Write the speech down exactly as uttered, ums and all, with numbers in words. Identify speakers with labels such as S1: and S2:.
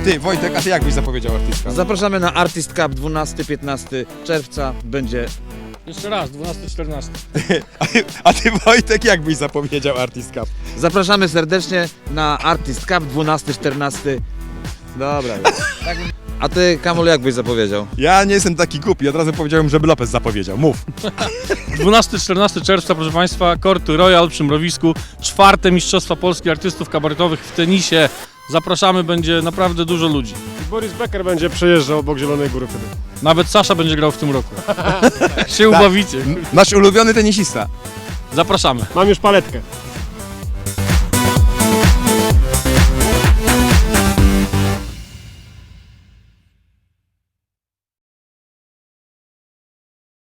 S1: ty, Wojtek, a ty jak byś zapowiedział Artist Cup?
S2: Zapraszamy na Artist Cup dwunastego piętnastego czerwca. Będzie...
S3: Jeszcze raz, dwunasty czternasty.
S1: A ty, a ty Wojtek, jak byś zapowiedział Artist Cup?
S2: Zapraszamy serdecznie na Artist Cup dwunastego czternastego. Dobra. A ty, Kamul, jak byś zapowiedział?
S1: Ja nie jestem taki głupi, od razu powiedziałem, żeby Lopez zapowiedział. Mów.
S3: dwunastego czternastego czerwca, proszę Państwa, Korty Royal przy Mrowisku. Czwarte Mistrzostwa Polski Artystów Kabaretowych w tenisie. Zapraszamy, będzie naprawdę dużo ludzi.
S4: Boris Becker będzie przejeżdżał obok Zielonej Góry wtedy.
S3: Nawet Sasza będzie grał w tym roku. się ubawicie.
S1: Nasz ulubiony tenisista.
S3: Zapraszamy.
S4: Mam już paletkę.